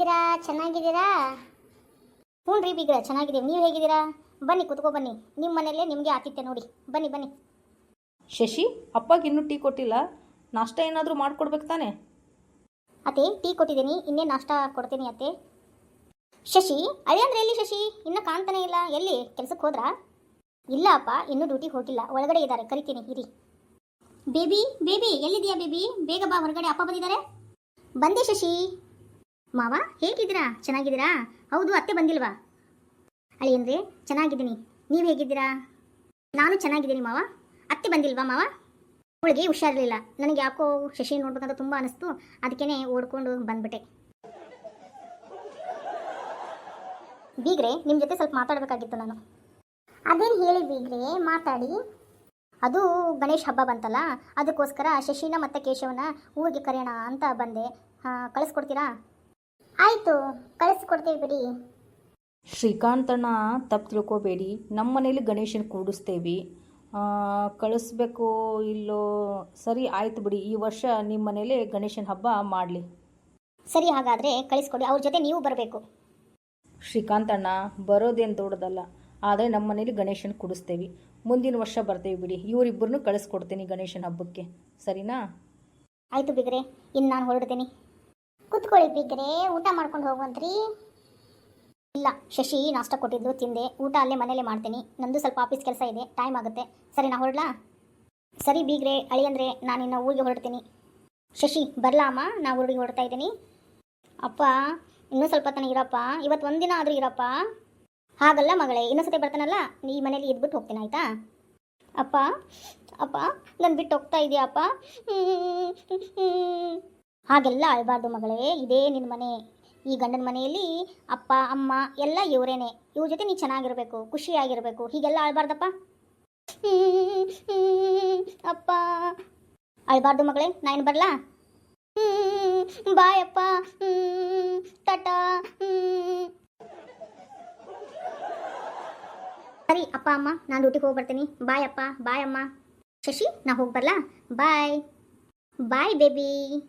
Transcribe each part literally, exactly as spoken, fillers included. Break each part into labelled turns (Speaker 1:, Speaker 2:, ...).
Speaker 1: ಹೇಗಿದ್ದೀರಾ? ಚೆನ್ನಾಗಿದ್ದೀರಾ? ಹ್ಞೂ ರೀ ಬೀಗ್ರ, ಚೆನ್ನಾಗಿದ್ದೀವಿ. ನೀವು ಹೇಗಿದ್ದೀರಾ? ಬನ್ನಿ ಕುತ್ಕೊ ಬನ್ನಿ. ನಿಮ್ಮ ಮನೆಯಲ್ಲೇ ನಿಮಗೆ ಆತಿಥ್ಯ ನೋಡಿ. ಬನ್ನಿ ಬನ್ನಿ.
Speaker 2: ಶಶಿ, ಅಪ್ಪಗೆ ಇನ್ನೂ ಟೀ ಕೊಟ್ಟಿಲ್ಲ. ನಾಷ್ಟ ಏನಾದರೂ ಮಾಡಿಕೊಡ್ಬೇಕು ತಾನೆ?
Speaker 1: ಅತ್ತೆ, ಟೀ ಕೊಟ್ಟಿದ್ದೀನಿ, ಇನ್ನೇ ನಾಷ್ಟ ಕೊಡ್ತೀನಿ ಅತ್ತೆ. ಶಶಿ, ಅಳಿಯಂದ್ರೆ ಎಲ್ಲಿ ಶಶಿ? ಇನ್ನೂ ಕಾಣ್ತಾನೆ ಇಲ್ಲ. ಎಲ್ಲಿ ಕೆಲಸಕ್ಕೆ ಹೋದ್ರಾ? ಇಲ್ಲ ಅಪ್ಪ, ಇನ್ನೂ ಡ್ಯೂಟಿಗೆ ಹೋಗಿಲ್ಲ. ಒಳಗಡೆ ಇದ್ದಾರೆ, ಕರಿತೀನಿ ಇರಿ. ಬೇಬಿ ಬೇಬಿ ಎಲ್ಲಿದೆಯಾ ಬೇಬಿ? ಬೇಗ ಬಾ, ಹೊರಗಡೆ ಅಪ್ಪ ಬಂದಿದ್ದಾರೆ. ಬಂದೆ ಶಶಿ. ಮಾವ ಹೇಗಿದ್ದೀರಾ? ಚೆನ್ನಾಗಿದ್ದೀರಾ? ಹೌದು, ಅತ್ತೆ ಬಂದಿಲ್ವಾ? ಅಳಿಯಂದ್ರೆ ಚೆನ್ನಾಗಿದ್ದೀನಿ. ನೀವು ಹೇಗಿದ್ದೀರಾ? ನಾನು ಚೆನ್ನಾಗಿದ್ದೀನಿ ಮಾವ. ಅತ್ತೆ ಬಂದಿಲ್ವಾ ಮಾವ? ಅವಳಿಗೆ ಹುಷಾರಿರಲಿಲ್ಲ. ನನಗೆ ಯಾಕೋ ಶಶಿ ನೋಡ್ಬೇಕಂತ ತುಂಬ ಅನಿಸ್ತು. ಅದಕ್ಕೇ ಓಡ್ಕೊಂಡು ಬಂದ್ಬಿಟ್ಟೆ. ಬೀಗ್ರೆ, ನಿಮ್ಮ ಜೊತೆ ಸ್ವಲ್ಪ ಮಾತಾಡಬೇಕಾಗಿತ್ತು ನಾನು. ಅದೇನು ಹೇಳಿ ಬೀಗ್ರೆ, ಮಾತಾಡಿ. ಅದು ಗಣೇಶ್ ಹಬ್ಬ ಬಂತಲ್ಲ, ಅದಕ್ಕೋಸ್ಕರ ಶಶಿನ ಮತ್ತು ಕೇಶವನ ಊರಿಗೆ ಕರೆಯೋಣ ಅಂತ ಬಂದೆ. ಹಾಂ, ಕಳಿಸ್ಕೊಡ್ತೀರಾ? ಆಯಿತು, ಕಳಿಸ್ಕೊಡ್ತೀವಿ ಬಿಡಿ.
Speaker 2: ಶ್ರೀಕಾಂತಣ್ಣ, ತಪ್ಪು ತಿಳ್ಕೊಬೇಡಿ. ನಮ್ಮ ಮನೇಲಿ ಗಣೇಶನ ಕೂಡಿಸ್ತೇವೆ. ಕಳಿಸ್ಬೇಕು ಇಲ್ಲೋ? ಸರಿ ಆಯ್ತು ಬಿಡಿ. ಈ ವರ್ಷ ನಿಮ್ಮ ಮನೇಲಿ ಗಣೇಶನ ಹಬ್ಬ ಮಾಡಲಿ.
Speaker 1: ಸರಿ, ಹಾಗಾದರೆ ಕಳಿಸ್ಕೊಡಿ. ಅವ್ರ ಜೊತೆ ನೀವು ಬರಬೇಕು.
Speaker 2: ಶ್ರೀಕಾಂತಣ್ಣ, ಬರೋದೇನು ದೊಡ್ಡದಲ್ಲ, ಆದರೆ ನಮ್ಮ ಮನೇಲಿ ಗಣೇಶನ ಕೂಡಿಸ್ತೇವೆ. ಮುಂದಿನ ವರ್ಷ ಬರ್ತೇವೆ ಬಿಡಿ. ಇವರಿಬ್ಬರನ್ನು ಕಳಿಸ್ಕೊಡ್ತೀನಿ ಗಣೇಶನ ಹಬ್ಬಕ್ಕೆ, ಸರಿನಾ?
Speaker 1: ಆಯಿತು ಬಿಗ್ರೆ, ಇನ್ನು ನಾನು ಹೊರಡ್ತೀನಿ. ಕೂತ್ಕೊಳ್ಳಿ ಬಿಗ್ರೆ, ಊಟ ಮಾಡ್ಕೊಂಡು ಹೋಗುವಂತ್ರಿ. ಇಲ್ಲ, ಶಶಿ ನಾಷ್ಟ ಕೊಟ್ಟಿದ್ದು ತಿಂದೆ. ಊಟ ಅಲ್ಲೇ ಮನೇಲೆ ಮಾಡ್ತೀನಿ. ನಂದು ಸ್ವಲ್ಪ ಆಫೀಸ್ ಕೆಲಸ ಇದೆ, ಟೈಮ್ ಆಗುತ್ತೆ. ಸರಿ, ನಾ ಹೊರಡ್ಲಾ? ಸರಿ ಬೀಗ್ರೆ, ಅಳಿಯಂದ್ರೆ ನಾನಿನ್ನು ಊರಿಗೆ ಹೊರಡ್ತೀನಿ. ಶಶಿ ಬರಲಾ ಅಮ್ಮ? ನಾ ಊರಿಗೆ ಹೊರಡ್ತಾ ಇದ್ದೀನಿ. ಅಪ್ಪ, ಇನ್ನೂ ಸ್ವಲ್ಪ ತನಕ ಇರಪ್ಪ. ಇವತ್ತು ಒಂದಿನ ಆದರೂ ಇರಪ್ಪ. ಹಾಗಲ್ಲ ಮಗಳೇ, ಇನ್ನೊಂದ್ಸತಿ ಬರ್ತಾನಲ್ಲ, ಈ ಮನೇಲಿ ಇದ್ಬಿಟ್ಟು ಹೋಗ್ತೀನಿ, ಆಯಿತಾ? ಅಪ್ಪ ಅಪ್ಪ, ನಾನು ಬಿಟ್ಟು ಹೋಗ್ತಾ ಇದೆಯಾ ಅಪ್ಪ? ಹಾಗೆಲ್ಲ ಅಳಬಾರ್ದು ಮಗಳೇ, ಇದೇ ನಿನ್ನ ಮನೆ. ಈ ಗಂಡನ ಮನೆಯಲ್ಲಿ ಅಪ್ಪ ಅಮ್ಮ ಎಲ್ಲ ಇವರೇನೆ. ಇವ್ರ ಜೊತೆ ನೀ ಚೆನ್ನಾಗಿರಬೇಕು, ಖುಷಿಯಾಗಿರಬೇಕು. ಹೀಗೆಲ್ಲ ಅಳಬಾರ್ದಪ್ಪ. ಅಪ್ಪ, ಅಳಬಾರ್ದು ಮಗಳೇ. ನಾನು ಬರಲಾ? ಬಾಯ್ ಅಪ್ಪ, ಟಾಟಾ. ಸರಿ ಅಪ್ಪ ಅಮ್ಮ, ನಾನು ಡ್ಯೂಟಿಗೆ ಹೋಗಿ ಬರ್ತೀನಿ. ಬಾಯ್ ಅಪ್ಪ, ಬಾಯ್ ಅಮ್ಮ. ಶಶಿ, ನಾ ಹೋಗಿ ಬರಲಾ? ಬಾಯ್ ಬಾಯ್ ಬೇಬಿ.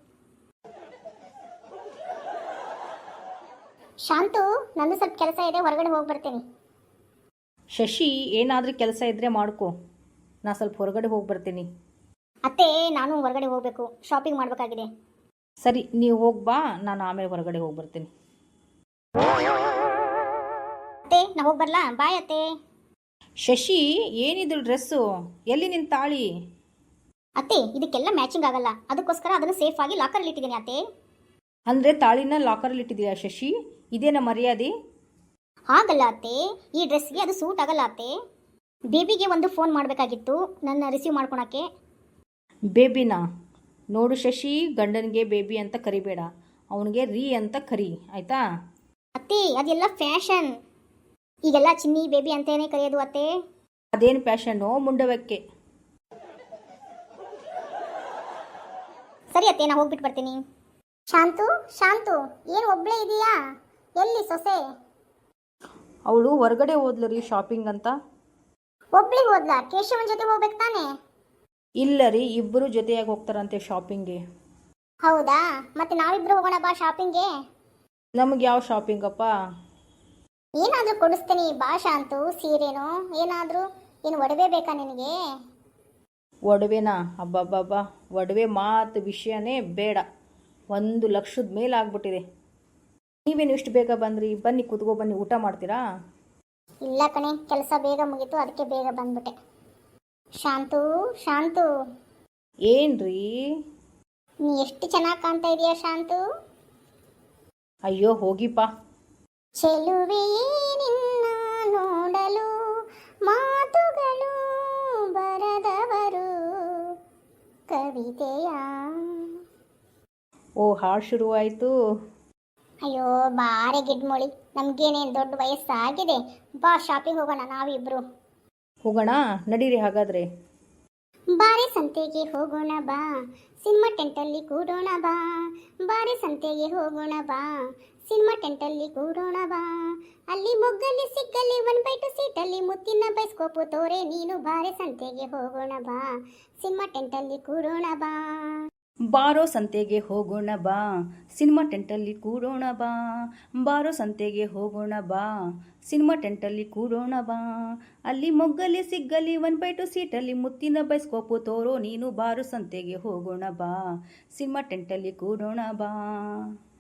Speaker 1: ಶಾಂತು, ನಂದು ಸ್ವಲ್ಪ ಕೆಲಸ ಇದೆ, ಹೊರಗಡೆ ಹೋಗಿ ಬರ್ತೀನಿ.
Speaker 2: ಶಶಿ, ಏನಾದರೂ ಕೆಲಸ ಇದ್ದರೆ ಮಾಡ್ಕೊ. ನಾ ಸ್ವಲ್ಪ ಹೊರಗಡೆ ಹೋಗಿ ಬರ್ತೀನಿ.
Speaker 1: ಅತ್ತೆ, ನಾನು ಹೊರಗಡೆ ಹೋಗಬೇಕು, ಶಾಪಿಂಗ್ ಮಾಡಬೇಕಾಗಿದೆ.
Speaker 2: ಸರಿ, ನೀವು ಹೋಗಿ ಬಾ, ನಾನು ಆಮೇಲೆ ಹೊರಗಡೆ ಹೋಗಿ ಬರ್ತೀನಿ.
Speaker 1: ಅತ್ತೆ, ನಾ ಹೋಗಿ ಬರಲಾ? ಬಾಯ್ ಅತ್ತೆ.
Speaker 2: ಶಶಿ, ಏನಿದು ಡ್ರೆಸ್ಸು? ಎಲ್ಲಿ ನಿನ್ನ ತಾಳಿ?
Speaker 1: ಅತ್ತೆ, ಇದಕ್ಕೆಲ್ಲ ಮ್ಯಾಚಿಂಗ್ ಆಗಲ್ಲ, ಅದಕ್ಕೋಸ್ಕರ ಅದನ್ನು ಸೇಫ್ ಆಗಿ ಲಾಕರಲ್ಲಿ ಇಟ್ಟಿದ್ದೀನಿ ಅತ್ತೆ.
Speaker 2: ಅಂದರೆ ತಾಳಿನ ಲಾಕರಲ್ಲಿ ಇಟ್ಟಿದ್ದೀಯಾ ಶಶಿ? ಇದೇನ ಮರ್ಯಾದೆ?
Speaker 1: ಹಾಗಲ್ಲ ಅತ್ತೆ, ಈ ಡ್ರೆಸ್ಗೆ ಅದು ಸೂಟ್ ಆಗಲ್ಲ ಅತ್ತೆ. ಬೇಬಿಗೆ ಒಂದು ಫೋನ್ ಮಾಡಬೇಕಾಗಿತ್ತು, ನನ್ನ ರಿಸೀವ್ ಮಾಡ್ಕೊಳಕ್ಕೆ.
Speaker 2: ಬೇಬಿನಾ? ನೋಡು ಶಶಿ, ಗಂಡನಿಗೆ ಬೇಬಿ ಅಂತ ಕರಿಬೇಡ, ಅವನಿಗೆ ರೀ ಅಂತ ಕರಿ, ಆಯಿತಾ?
Speaker 1: ಅತ್ತೆ, ಅದೆಲ್ಲ ಫ್ಯಾಷನ್. ಈಗೆಲ್ಲ ಚಿನ್ನಿ ಬೇಬಿ ಅಂತೇನೆ ಕರೆಯೋದು ಅತ್ತೆ.
Speaker 2: ಅದೇನು ಫ್ಯಾಷನ್ನು ಮುಂಡವಕ್ಕೆ?
Speaker 1: ಸರಿ ಅತ್ತೆ, ನಾ ಹೋಗ್ಬಿಟ್ಟು ಬರ್ತೀನಿ. ಶಾಂತು, ಶಾಂತು, ಏನು ಒಬ್ಬಳೇ ಇದೆಯಾ? ಎಲ್ಲಿ ಸೊಸೆ?
Speaker 2: ಅವಳು ಹೊರಗಡೆ ಹೋದ್ಲು ರೀ, ಶಾಪಿಂಗ್ ಅಂತ.
Speaker 1: ಒಬ್ಳಿ ಹೋದ್ಲಾ? ಕೇಶವನ್ ಜೊತೆ ಹೋಗ್ಬೇಕು ತಾನೆ?
Speaker 2: ಇಲ್ಲ ರೀ, ಇಬ್ಬರು ಜೊತೆಯಾಗಿ ಹೋಗ್ತಾರಂತೆ ಶಾಪಿಂಗ್ಗೆ.
Speaker 1: ಹೌದಾ? ಮತ್ತೆ ನಾವಿಬ್ರು ಹೋಗೋಣ ಬಾ ಶಾಪಿಂಗ್ಗೆ.
Speaker 2: ನಮಗೆ ಯಾವ ಶಾಪಿಂಗಪ್ಪ?
Speaker 1: ಏನಾದರೂ ಕೊಡಿಸ್ತೀನಿ ಬಾ ಶಾಂತು. ಸೀರೆನೋ ಏನಾದರೂ? ಏನು ಒಡವೆ ಬೇಕಾ ನಿನಗೆ?
Speaker 2: ಒಡವೆನಾ? ಅಬ್ಬಬ್ಬಬ್ಬ, ಒಡವೆ ಮಾತು ವಿಷಯನೇ ಬೇಡ. ಒಂದು ಲಕ್ಷದ ಮೇಲೆ ಆಗ್ಬಿಟ್ಟಿದೆ. ನೀವೇನು ಇಷ್ಟು ಬೇಗ ಬಂದ್ರಿ? ಬನ್ನಿ ಕೂತ್ಕೋ, ಬನ್ನಿ, ಊಟ ಮಾಡ್ತೀರಾ?
Speaker 1: ಇಲ್ಲ ಕಣೆ, ಕೆಲಸ ಬೇಗ ಮುಗೀತು, ಅದಕ್ಕೆ ಬೇಗ ಬಂದ್ಬಿಟ್ಟೆ. ಶಾಂತು, ಶಾಂತು.
Speaker 2: ಏನ್ರಿ?
Speaker 1: ನೀ ಎಷ್ಟು ಚೆನ್ನಾಗಿ ಕಾಣ್ತಾ ಇದೀಯಾ ಶಾಂತು.
Speaker 2: ಅಯ್ಯೋ ಹೋಗಿಪ್ಪ.
Speaker 1: ಚೆಲುವೆಯೇ ನಿನ್ನ ನೋಡಲು ಮಾತುಗಳು ಬರದವರು ಕವಿತೆಯ.
Speaker 2: ಓ, ಹಾಡು ಶುರುವಾಯಿತು.
Speaker 1: ಅಯ್ಯೋ ಬಾರೆ ಗಿಡ್ಮೊಳಿ, ನಮಗೇನೇನು ದೊಡ್ಡ ವಯಸ್ಸಾಗಿದೆ. ಬಾ ಶಾಪಿಂಗ್ ಹೋಗೋಣ ನಾವಿಬ್ರು.
Speaker 2: ಹೋಗೋಣ ನಡೀರಿ ಹಾಗಾದರೆ.
Speaker 1: ಬಾರೆ ಸಂತೆಗೆ ಹೋಗೋಣ ಬಾ, ಸಿನಿಮಾ ಟೆಂಟಲ್ಲಿ ಕೂಡೋಣ ಬಾ. ಬಾರೆ ಸಂತೆಗೆ ಹೋಗೋಣ ಬಾ, ಸಿನಿಮಾ ಟೆಂಟಲ್ಲಿ ಕೂಡೋಣ ಬಾ. ಅಲ್ಲಿ ಮೊಗ್ಗಲ್ಲಿ ಸಿಕ್ಕಲ್ಲಿ ಒನ್ ಬೈ ಟು ಸೀಟಲ್ಲಿ ಮುತ್ತಿನ ಬೈಸ್ಕೋಪು ತೋರೆ ನೀನು. ಬಾರೆ ಸಂತೆಗೆ ಹೋಗೋಣ ಬಾ, ಸಿನಿಮಾ ಟೆಂಟಲ್ಲಿ ಕೂಡೋಣ ಬಾ.
Speaker 2: ಬಾರೋ ಸಂತೆಗೆ ಹೋಗೋಣ ಬಾ ಸಿನಿಮಾ ಟೆಂಟಲ್ಲಿ ಕೂಡೋಣ ಬಾ ಬಾರೋ ಸಂತೆಗೆ ಹೋಗೋಣ ಬಾ ಸಿನಿಮಾ ಟೆಂಟಲ್ಲಿ ಕೂಡೋಣ ಬಾ ಅಲ್ಲಿ ಮೊಗ್ಗಲಿ ಸಿಗ್ಗಲಿ ಒನ್ ಬೈ ಟು ಸೀಟಲ್ಲಿ ಮುತ್ತಿನ ಬೈಸ್ಕೋಪು ತೋರೋ ನೀನು ಬಾರೋ ಸಂತೆಗೆ ಹೋಗೋಣ ಬಾ ಸಿನಿಮಾ ಟೆಂಟಲ್ಲಿ ಕೂಡೋಣ ಬಾ.